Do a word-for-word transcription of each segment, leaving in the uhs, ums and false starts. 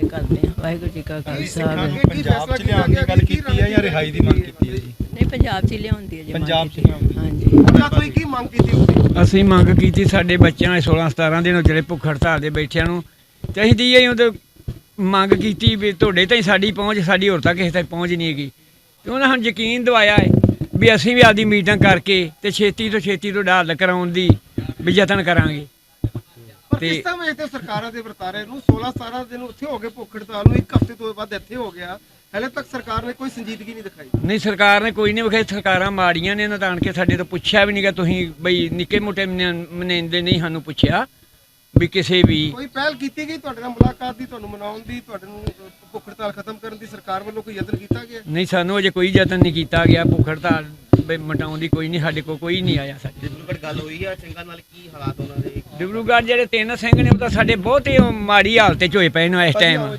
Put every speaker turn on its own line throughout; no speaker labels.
करते हैं। वाहिगुरू जी का खालसा।
पंजाब च लियाउण दी गल कीती है या रिहाई दी मंग कीती है जी?
नहीं, पंजाब च लियाउंदी है जी।
पंजाब च लियाउंदी।
हाँ जी।
ਕੋਈ ਕੀ ਮੰਗ ਕੀਤੀ ਹੋਵੇ?
ਅਸੀਂ ਮੰਗ ਕੀਤੀ ਸਾਡੇ ਬੱਚਿਆਂ ਨੇ सोलह सतारह ਦਿਨ ਜਿਹੜੇ ਭੁੱਖ ਹੜਤਾਲ ਦੇ ਬੈਠਿਆਂ ਨੂੰ ਤੇ ਅਸੀਂ ਦੀ ਉਹਦੇ ਮੰਗ ਕੀਤੀ ਵੀ ਤੁਹਾਡੇ ਤਾਈਂ ਸਾਡੀ ਪਹੁੰਚ, ਸਾਡੀ ਹੋਰ ਤੱਕ ਕਿਸੇ ਤੱਕ ਪਹੁੰਚ ਨਹੀਂ ਹੈਗੀ। ਤੇ ਉਹਨਾਂ ਸਾਨੂੰ ਯਕੀਨ ਦਿਵਾਇਆ ਹੈ ਵੀ ਅਸੀਂ ਵੀ ਆਪਦੀ ਮੀਟਿੰਗ ਕਰਕੇ ਤੇ ਛੇਤੀ ਤੋਂ ਛੇਤੀ ਤੋਂ ਹੱਲ ਕਰਾਉਣ ਦੀ ਵੀ ਯਤਨ ਕਰਾਂਗੇ।
ਪਰ ਕਿਸ ਤਰ੍ਹਾਂ ਵੇਖਦੇ ਹੋ ਸਰਕਾਰਾਂ ਦੇ ਵਰਤਾਰੇ ਨੂੰ? सोलह सतारह ਦਿਨ ਉੱਥੇ ਹੋ ਗਏ ਭੁੱਖ ਹੜਤਾਲ ਨੂੰ, ਇੱਕ ਹਫ਼ਤੇ ਤੋਂ ਬਾਅਦ ਇੱਥੇ ਹੋ ਗਿਆ, ਹਲੇ ਤੱਕ ਸਰਕਾਰ ਨੇ ਕੋਈ ਸੰਜੀਦਗੀ ਨਹੀਂ ਦਿਖਾਈ।
ਨਹੀਂ, ਸਰਕਾਰ ਨੇ ਕੋਈ ਨਹੀਂ ਵਿਖਾਈ। ਸਰਕਾਰਾਂ ਮਾੜੀਆਂ ਨੇ, ਇਹਨਾਂ ਤਾਂ ਆਣ ਕੇ ਸਾਡੇ ਤੋਂ ਪੁੱਛਿਆ ਵੀ ਨਹੀਂਗਾ। ਤੁਸੀਂ ਬਈ ਨਿੱਕੇ ਮੋਟੇ ਮਨੇਂਦੇ ਨਹੀਂ ਸਾਨੂੰ ਪੁੱਛਿਆ ਵੀ ਕਿਸੇ ਵੀ
ਕੋਈ ਪਹਿਲ ਕੀਤੀ ਗਈ ਤੁਹਾਡੇ ਨਾਲ ਮੁਲਾਕਾਤ ਦੀ, ਤੁਹਾਨੂੰ ਮਨਾਉਣ ਦੀ, ਤੁਹਾਡੇ ਨੂੰ ਭੁੱਖ ਹੜਤਾਲ ਖਤਮ ਕਰਨ ਦੀ ਸਰਕਾਰ ਵੱਲੋਂ ਕੋਈ ਯਤਨ ਕੀਤਾ ਗਿਆ?
ਨਹੀਂ, ਸਾਨੂੰ ਅਜੇ ਕੋਈ ਯਤਨ ਨਹੀਂ ਕੀਤਾ ਗਿਆ ਭੁੱਖ ਹੜਤਾਲ ਮਟਾਉਣ ਦੀ। ਕੋਈ ਨਹੀਂ, ਸਾਡੇ ਕੋਲ ਕੋਈ ਨਹੀਂ ਆਇਆ। ਸਾਡੇ
ਡਿਬਰੂਗੜ੍ਹ ਗੱਲ ਹੋਈ ਆ ਸਿੰਘਾਂ ਨਾਲ, ਕੀ ਹਾਲਾਤ ਉਹਨਾਂ ਦੇ?
ਡਿਬਰੂਗੜ੍ਹ ਜਿਹੜੇ ਤਿੰਨ ਸਿੰਘ ਨੇ ਉਹ ਤਾਂ ਸਾਡੇ ਬਹੁਤ ਹੀ ਮਾੜੀ ਹਾਲਤ 'ਚ ਹੋਏ ਪਏ ਨੇ ਇਸ ਟਾਈਮ।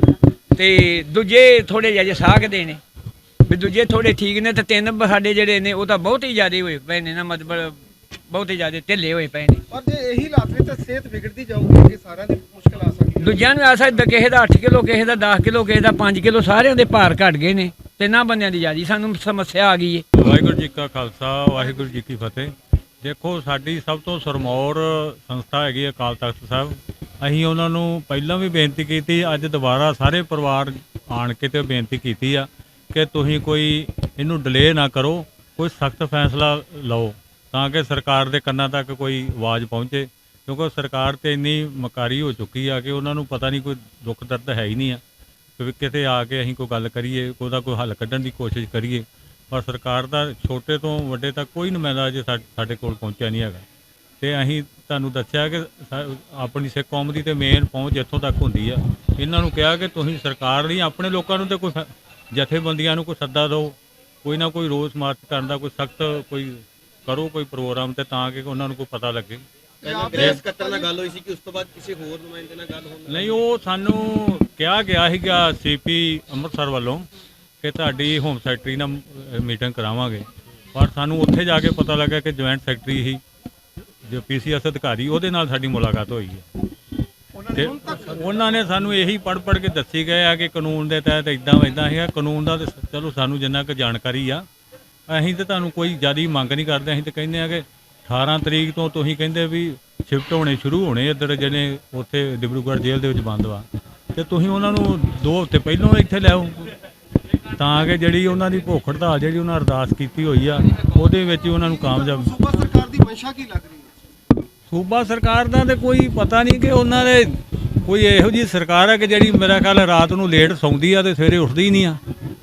ਤੇ ਦੂਜੇ ਥੋੜੇ ਜਿਹੇ ਸਾਖਦੇ ਨੇ ਵੀ ਦੂਜੇ ਥੋੜੇ ਠੀਕ ਨੇ, ਤੇ ਤਿੰਨ ਸਾਡੇ ਜਿਹੜੇ ਨੇ ਉਹ ਤਾਂ ਬਹੁਤ ਹੀ ਜ਼ਿਆਦਾ ਹੋਏ ਪਏ ਨੇ ਨਾ, ਮਤਲਬ ਬਹੁਤ ਹੀ ਜ਼ਿਆਦਾ ਢਿੱਲੇ ਹੋਏ ਪਏ ਨੇ।
ਪਰ ਜੇ ਇਹੀ ਹਾਲਾਤ ਵਿੱਚ ਤਾਂ ਸਿਹਤ ਵਿਗੜਦੀ ਜਾਊਗੀ, ਕਿ ਸਾਰਿਆਂ ਦੀ ਮੁਸ਼ਕਲ ਆ ਸਕਦੀ ਹੈ।
ਦੂਜਿਆਂ ਨੂੰ ਆ ਸਕਦਾ ਕਿਸੇ ਦਾ ਅੱਠ ਕਿਲੋ, ਕਿਸੇ ਦਾ ਦਸ ਕਿਲੋ, ਕਿਸੇ ਦਾ ਪੰਜ ਕਿਲੋ, ਸਾਰਿਆਂ ਦੇ ਭਾਰ ਘਟ ਗਏ ਨੇ। ਤਿੰਨਾਂ ਬੰਦਿਆਂ ਦੀ ਜ਼ਿਆਦਾ ਸਾਨੂੰ ਸਮੱਸਿਆ ਆ ਗਈ ਹੈ।
ਵਾਹਿਗੁਰੂ ਜੀ ਕਾ ਖਾਲਸਾ, ਵਾਹਿਗੁਰੂ ਜੀ ਕੀ ਫਤਿਹ। ਦੇਖੋ, ਸਾਡੀ ਸਭ ਤੋਂ ਸਰਮੌਰ ਸੰਸਥਾ ਹੈਗੀ ਅਕਾਲ ਤਖਤ ਸਾਹਿਬ। ਅਸੀਂ ਉਹਨਾਂ ਨੂੰ ਪਹਿਲਾਂ ਵੀ ਬੇਨਤੀ ਕੀਤੀ, ਅੱਜ ਦੁਬਾਰਾ ਸਾਰੇ ਪਰਿਵਾਰ ਆਣ ਕੇ ਤੇ ਬੇਨਤੀ ਕੀਤੀ ਆ ਕਿ ਤੁਸੀਂ ਕੋਈ ਇਹਨੂੰ ਡਿਲੇ ਨਾ ਕਰੋ, ਕੋਈ ਸਖਤ ਫੈਸਲਾ ਲਓ ਤਾਂ ਕਿ ਸਰਕਾਰ ਦੇ ਕੰਨਾਂ ਤੱਕ ਕੋਈ ਆਵਾਜ਼ ਪਹੁੰਚੇ। ਕਿਉਂਕਿ ਸਰਕਾਰ ਤੇ ਇੰਨੀ ਮਕਾਰੀ ਹੋ ਚੁੱਕੀ ਆ ਕਿ ਉਹਨਾਂ ਨੂੰ ਪਤਾ ਨਹੀਂ, ਕੋਈ ਦੁੱਖ ਦਰਦ ਹੈ ਹੀ ਨਹੀਂ ਆ ਕਿ ਕਿਤੇ ਆ ਕੇ ਅਸੀਂ ਕੋਈ ਗੱਲ ਕਰੀਏ, ਉਹਦਾ ਕੋਈ ਹੱਲ ਕੱਢਣ ਦੀ ਕੋਸ਼ਿਸ਼ ਕਰੀਏ। ਪਰ ਸਰਕਾਰ ਦਾ ਛੋਟੇ ਤੋਂ ਵੱਡੇ ਤੱਕ ਕੋਈ ਨੁਮਾਇੰਦਾ ਅਜੇ ਸਾਡੇ ਕੋਲ ਪਹੁੰਚਿਆ ਨਹੀਂ ਹੈਗਾ। ਤੇ ਅਸੀਂ ਤੁਹਾਨੂੰ ਦੱਸਿਆ ਕਿ ਆਪਣੀ ਸਿੱਖ ਕੌਮ ਦੀ ਤੇ ਮੇਨ ਪਹੁੰਚ ਇੱਥੋਂ ਤੱਕ ਹੁੰਦੀ ਆ। ਇਹਨਾਂ ਨੂੰ ਕਿਹਾ ਕਿ ਤੁਸੀਂ ਸਰਕਾਰ ਨਹੀਂ, ਆਪਣੇ ਲੋਕਾਂ ਨੂੰ ਤੇ ਕੋਈ ਜਥੇਬੰਦੀਆਂ ਨੂੰ ਕੋਈ ਸੱਦਾ ਦਿਓ, ਕੋਈ ਨਾ ਕੋਈ ਰੋਸ ਮਾਰਚ ਕਰਨ ਦਾ ਕੋਈ ਸਖਤ ਕੋਈ ਕਰੋ ਕੋਈ ਪ੍ਰੋਗਰਾਮ, ਤੇ ਤਾਂ ਕਿ ਉਹਨਾਂ ਨੂੰ ਕੋਈ ਪਤਾ ਲੱਗੇ।
ਗ੍ਰਹਿ ਸਕੱਤਰ ਨਾਲ ਗੱਲ ਹੋਈ ਸੀ ਕਿ ਉਸ ਤੋਂ ਬਾਅਦ ਕਿਸੇ ਹੋਰ ਨੁਮਾਇੰਦੇ ਨਾਲ ਗੱਲ ਹੋਣੀ?
ਨਹੀਂ, ਉਹ ਸਾਨੂੰ ਕਿਹਾ ਗਿਆ ਸੀਗਾ ਸੀਪੀ ਅੰਮ੍ਰਿਤਸਰ ਵੱਲੋਂ ਕਿ ਤੁਹਾਡੀ ਹੋਮ ਸੈਕਟਰੀ ਨਾਲ ਮੀਟਿੰਗ ਕਰਾਵਾਂਗੇ। ਪਰ ਸਾਨੂੰ ਉੱਥੇ ਜਾ ਕੇ ਪਤਾ ਲੱਗਾ ਕਿ ਜੁਆਇੰਟ ਸੈਕਟਰੀ ਹੀ ਜੋ ਪੀ ਸੀ ਐਸ ਅਧਿਕਾਰੀ, ਉਹਦੇ ਨਾਲ ਸਾਡੀ ਮੁਲਾਕਾਤ ਹੋਈ ਹੈ। ਤੇ ਉਹਨਾਂ ਨੇ ਸਾਨੂੰ ਇਹੀ ਪੜ੍ਹ ਪੜ੍ਹ ਕੇ ਦੱਸੀ ਗਏ ਆ ਕਿ ਕਾਨੂੰਨ ਦੇ ਤਹਿਤ ਇੱਦਾਂ ਇੱਦਾਂ ਹੈਗਾ। ਕਾਨੂੰਨ ਦਾ ਤਾਂ ਚਲੋ ਸਾਨੂੰ ਜਿੰਨਾ ਕੁ ਜਾਣਕਾਰੀ ਆ, ਅਸੀਂ ਤਾਂ ਤੁਹਾਨੂੰ ਕੋਈ ਜ਼ਿਆਦਾ ਮੰਗ ਨਹੀਂ ਕਰਦੇ। ਅਸੀਂ ਤਾਂ ਕਹਿੰਦੇ ਆ ਕਿ ਅਠਾਰਾਂ ਤਰੀਕ ਤੋਂ ਤੁਸੀਂ ਕਹਿੰਦੇ ਵੀ ਸ਼ਿਫਟ ਹੋਣੇ ਸ਼ੁਰੂ ਹੋਣੇ ਇੱਧਰ, ਜਿਹੜੇ ਉੱਥੇ ਡਿਬਰੂਗੜ੍ਹ ਜੇਲ੍ਹ ਦੇ ਵਿੱਚ ਬੰਦ ਵਾ, ਅਤੇ ਤੁਸੀਂ ਉਹਨਾਂ ਨੂੰ ਦੋ ਹਫ਼ਤੇ ਪਹਿਲੋਂ ਇੱਥੇ ਲਿਆਓ ਤਾਂ ਕਿ ਜਿਹੜੀ ਉਹਨਾਂ ਦੀ ਭੁੱਖ ਹੜਤਾਲ ਜਿਹੜੀ ਉਹਨਾਂ ਅਰਦਾਸ ਕੀਤੀ ਹੋਈ ਆ ਉਹਦੇ ਵਿੱਚ ਹੀ ਉਹਨਾਂ ਨੂੰ ਕਾਮਯਾਬ।
ਸੂਬਾ ਸਰਕਾਰ ਦੀ ਮਨਸ਼ਾ ਕੀ ਲੱਗ ਰਹੀ ਹੈ?
ਸੂਬਾ ਸਰਕਾਰ ਦਾ ਤਾਂ ਕੋਈ ਪਤਾ ਨਹੀਂ ਕਿ ਉਹਨਾਂ ਦੇ ਕੋਈ ਇਹੋ ਜਿਹੀ ਸਰਕਾਰ ਹੈ ਕਿ ਜਿਹੜੀ ਮੇਰਾ ਖਿਆਲ ਰਾਤ ਨੂੰ ਲੇਟ ਸੌਂਦੀ ਆ ਤੇ ਸਵੇਰੇ ਉੱਠਦੀ ਹੀ ਨਹੀਂ ਆ।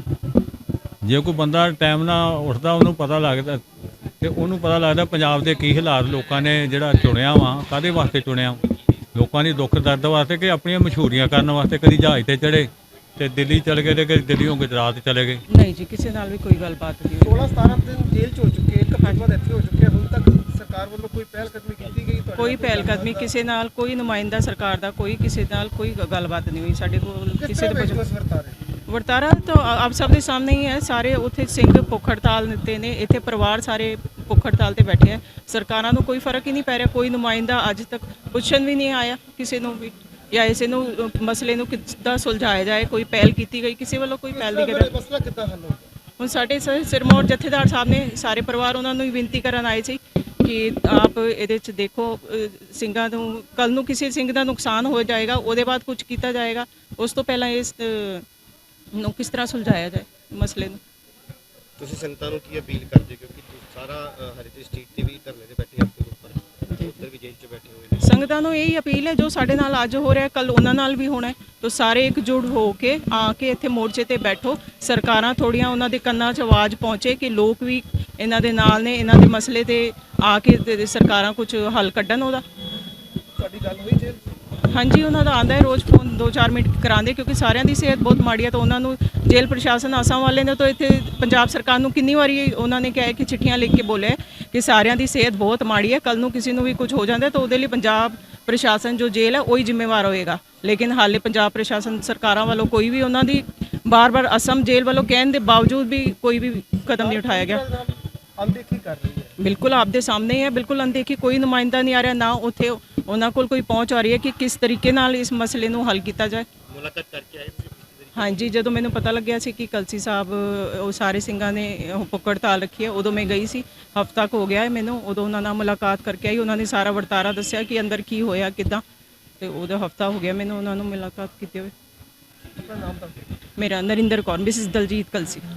ਜੇ ਕੋਈ ਬੰਦਾ ਟਾਈਮ ਨਾਲ ਉੱਠਦਾ ਉਹਨੂੰ ਪਤਾ ਲੱਗਦਾ, ਤੇ ਉਹਨੂੰ ਪਤਾ ਲੱਗਦਾ ਪੰਜਾਬ ਦੇ ਕੀ ਹਾਲਾਤ ਲੋਕਾਂ ਨੇ ਜਿਹੜਾ ਚੁਣਿਆ ਵਾ, ਕਾਹਦੇ ਵਾਸਤੇ ਚੁਣਿਆ, ਲੋਕਾਂ ਦੀ ਦੁੱਖ ਦਰਦ ਵਾਸਤੇ ਕਿ ਆਪਣੀਆਂ ਮਸ਼ਹੂਰੀਆਂ ਕਰਨ ਵਾਸਤੇ। ਕਦੀ ਜਹਾਜ਼ ਤੇ ਚੜੇ ਤੇ ਦਿੱਲੀ ਚਲੇ ਗਏ, ਤੇ ਕਦੀ ਦਿੱਲੀੋਂ ਗੁਜਰਾਤ ਚਲੇ ਗਏ।
ਨਹੀਂ ਜੀ, ਕਿਸੇ ਨਾਲ ਵੀ ਕੋਈ ਗੱਲਬਾਤ ਨਹੀਂ।
सोलह सतारह ਦਿਨ ਜੇਲ੍ਹ 'ਚ ਹੋ ਚੁੱਕੇ, ਇੱਕ ਹਫ਼ਤੇ ਬਾਅਦ ਇੱਥੇ ਹੋ ਚੁੱਕੇ, ਹੁਣ ਤੱਕ ਸਰਕਾਰ ਵੱਲੋਂ ਕੋਈ ਪਹਿਲ ਕਦਮੀ ਕੀਤੀ ਗਈ?
ਕੋਈ ਪਹਿਲ ਕਦਮੀ ਕਿਸੇ ਨਾਲ, ਕੋਈ ਨੁਮਾਇੰਦਾ ਸਰਕਾਰ ਦਾ ਕੋਈ ਕਿਸੇ ਨਾਲ ਕੋਈ ਗੱਲਬਾਤ ਨਹੀਂ ਹੋਈ ਸਾਡੇ ਕੋਲ ਕਿਸੇ ਦੇ। ਵਰਤਾਰਾ ਤਾਂ ਆਪ ਸਭ ਦੇ ਸਾਹਮਣੇ ਹੀ ਹੈ। ਸਾਰੇ ਉੱਥੇ ਸਿੰਘ ਭੁੱਖ ਹੜਤਾਲ ਦਿੱਤੇ ਨੇ, ਇੱਥੇ ਪਰਿਵਾਰ ਸਾਰੇ ਭੁੱਖ ਹੜਤਾਲ ਤੇ ਬੈਠੇ ਹੈ। ਸਰਕਾਰਾਂ ਨੂੰ ਕੋਈ ਫਰਕ ਹੀ ਨਹੀਂ ਪੈ ਰਿਹਾ। ਕੋਈ ਨੁਮਾਇੰਦਾ ਅੱਜ ਤੱਕ ਪੁੱਛਣ ਵੀ ਨਹੀਂ ਆਇਆ ਕਿਸੇ ਨੂੰ ਵੀ, ਜਾਂ ਇਸੇ ਨੂੰ ਮਸਲੇ ਨੂੰ ਕਿੱਦਾਂ ਸੁਲਝਾਇਆ ਜਾਏ। ਕੋਈ ਪਹਿਲ ਕੀਤੀ ਗਈ ਕਿਸੇ ਵੱਲੋਂ? ਕੋਈ ਪਹਿਲ ਨਹੀਂ ਕੀਤੀ।
ਮਸਲਾ ਕਿੱਦਾਂ ਹੱਲ ਹੋਊਗਾ?
ਹੁਣ ਸਾਡੇ ਸਿਰਮੌਰ ਜਥੇਦਾਰ ਸਾਹਿਬ ਨੇ ਸਾਰੇ ਪਰਿਵਾਰ ਉਹਨਾਂ ਨੂੰ ਹੀ ਬੇਨਤੀ ਕਰਨ ਆਏ ਸੀ ਕਿ ਆਪ ਇਹਦੇ 'ਚ ਦੇਖੋ, ਸਿੰਘਾਂ ਨੂੰ ਕੱਲ੍ਹ ਨੂੰ ਕਿਸੇ ਸਿੰਘ ਦਾ ਨੁਕਸਾਨ ਹੋ ਜਾਏਗਾ, ਉਹਦੇ ਬਾਅਦ ਕੁਝ ਕੀਤਾ ਜਾਏਗਾ। ਉਸ ਤੋਂ ਪਹਿਲਾਂ ਇਸ ਨੂੰ ਕਿਸ ਤਰ੍ਹਾਂ ਸੁਲਝਾਇਆ ਜਾਏ ਮਸਲੇ ਨੂੰ।
ਤੁਸੀਂ ਸੰਗਤਾਂ ਨੂੰ ਕੀ ਅਪੀਲ ਕਰਦੇ, ਕਿਉਂਕਿ ਸਾਰਾ ਹਰਿਤੇ ਸਟਰੀਟ ਤੇ ਵੀ ਧਰਨੇ ਤੇ ਬੈਠੇ ਆਪਣੇ ਉੱਪਰ, ਉੱਧਰ ਵੀ ਜੇਲ੍ਹ 'ਚ ਬੈਠੇ ਹੋਏ ਨੇ।
ਸੰਗਤਾਂ ਨੂੰ ਇਹੀ ਅਪੀਲ ਹੈ, ਜੋ ਸਾਡੇ ਨਾਲ ਅੱਜ ਹੋ ਰਿਹਾ ਕੱਲ੍ਹ ਉਹਨਾਂ ਨਾਲ ਵੀ ਹੋਣਾ ਹੈ। ਤਾਂ ਸਾਰੇ ਇਕਜੁੱਟ ਹੋ ਕੇ ਆ ਕੇ ਇੱਥੇ ਮੋਰਚੇ ਤੇ ਬੈਠੋ। ਸਰਕਾਰਾਂ ਥੋੜ੍ਹੀਆਂ ਉਹਨਾਂ ਦੇ ਕੰਨਾਂ 'ਚ ਆਵਾਜ਼ ਪਹੁੰਚੇ ਕਿ ਲੋਕ ਵੀ ਇਹਨਾਂ ਦੇ ਨਾਲ ਨੇ, ਇਹਨਾਂ ਦੇ ਮਸਲੇ ਤੇ ਆ ਕੇ ਸਰਕਾਰਾਂ ਕੁਝ ਹੱਲ ਕੱਢਣ ਉਹਦਾ।
ਤੁਹਾਡੀ ਗੱਲ ਹੋਈ ਜੇਲ੍ਹ?
ਹਾਂਜੀ, ਉਹਨਾਂ ਦਾ ਆਉਂਦਾ ਹੈ ਰੋਜ਼ ਫੋਨ, ਦੋ ਚਾਰ ਮਿੰਟ ਕਰਾਉਂਦੇ, ਕਿਉਂਕਿ ਸਾਰਿਆਂ ਦੀ ਸਿਹਤ ਬਹੁਤ ਮਾੜੀ ਹੈ। ਤਾਂ ਉਹਨਾਂ ਨੂੰ ਜੇਲ੍ਹ ਪ੍ਰਸ਼ਾਸਨ ਆਸਾਮ ਵਾਲੇ ਨੇ ਤਾਂ ਇੱਥੇ ਪੰਜਾਬ ਸਰਕਾਰ ਨੂੰ ਕਿੰਨੀ ਵਾਰੀ ਉਹਨਾਂ ਨੇ ਕਿਹਾ ਕਿ ਚਿੱਠੀਆਂ ਲਿਖ ਕੇ ਬੋਲਿਆ ਕਿ ਸਾਰਿਆਂ ਦੀ ਸਿਹਤ ਬਹੁਤ ਮਾੜੀ ਹੈ, ਕੱਲ੍ਹ ਨੂੰ ਕਿਸੇ ਨੂੰ ਵੀ ਕੁਝ ਹੋ ਜਾਂਦਾ ਤਾਂ ਉਹਦੇ ਲਈ ਪੰਜਾਬ ਪ੍ਰਸ਼ਾਸਨ ਜੋ ਜੇਲ੍ਹ ਹੈ ਉਹੀ ਜ਼ਿੰਮੇਵਾਰ ਹੋਏਗਾ। ਲੇਕਿਨ ਹਾਲੇ ਪੰਜਾਬ ਪ੍ਰਸ਼ਾਸਨ ਸਰਕਾਰਾਂ ਵੱਲੋਂ ਕੋਈ ਵੀ ਉਹਨਾਂ ਦੀ ਬਾਰ-ਬਾਰ ਅਸਮ ਜੇਲ੍ਹ ਵੱਲੋਂ ਕਹਿਣ ਦੇ ਬਾਵਜੂਦ ਵੀ ਕੋਈ ਵੀ ਕਦਮ ਨਹੀਂ ਉਠਾਇਆ ਗਿਆ।
ਅਣਦੇਖੀ ਕਰ ਰਹੀ ਹੈ।
ਬਿਲकुल आपके सामने ही है, बिल्कुल अनदेखी, कोई नुमाइंदा नहीं आ रहा, ना उत्थे उन्होंने कोल कोई पहुँच आ रही है कि किस तरीके नाल इस मसले नूं हल किया जाए।
ਮੁਲਾਕਾਤ ਕਰਕੇ ਆਏ ਤੁਸੀਂ ਪਿਛਲੀ ਵਾਰੀ?
ਹਾਂਜੀ, ਜਦੋਂ ਮੈਨੂੰ ਪਤਾ ਲੱਗਿਆ ਸੀ ਕਿ ਕਲਸੀ ਸਾਹਿਬ ਉਹ ਸਾਰੇ ਸਿੰਘਾਂ ਨੇ ਉਹ ਭੁੱਖ ਹੜਤਾਲ ਰੱਖੀ ਹੈ, ਉਦੋਂ ਮੈਂ ਗਈ ਸੀ। ਹਫ਼ਤਾ ਕੁ ਹੋ ਗਿਆ ਹੈ ਮੈਨੂੰ, ਉਦੋਂ ਉਹਨਾਂ ਨਾਲ ਮੁਲਾਕਾਤ ਕਰਕੇ ਆਈ। ਉਹਨਾਂ ਨੇ ਸਾਰਾ ਵਰਤਾਰਾ ਦੱਸਿਆ ਕਿ ਅੰਦਰ ਕੀ ਹੋਇਆ ਕਿੱਦਾਂ, ਤੇ ਉਹਦਾ ਹਫ਼ਤਾ ਹੋ ਗਿਆ ਮੈਨੂੰ ਉਹਨਾਂ ਨੂੰ ਮੁਲਾਕਾਤ ਕੀਤੇ ਹੋਏ। ਮੇਰਾ ਨਰਿੰਦਰ ਕੌਰ, ਮਿਸਿਸ ਦਲਜੀਤ ਕਲਸੀ।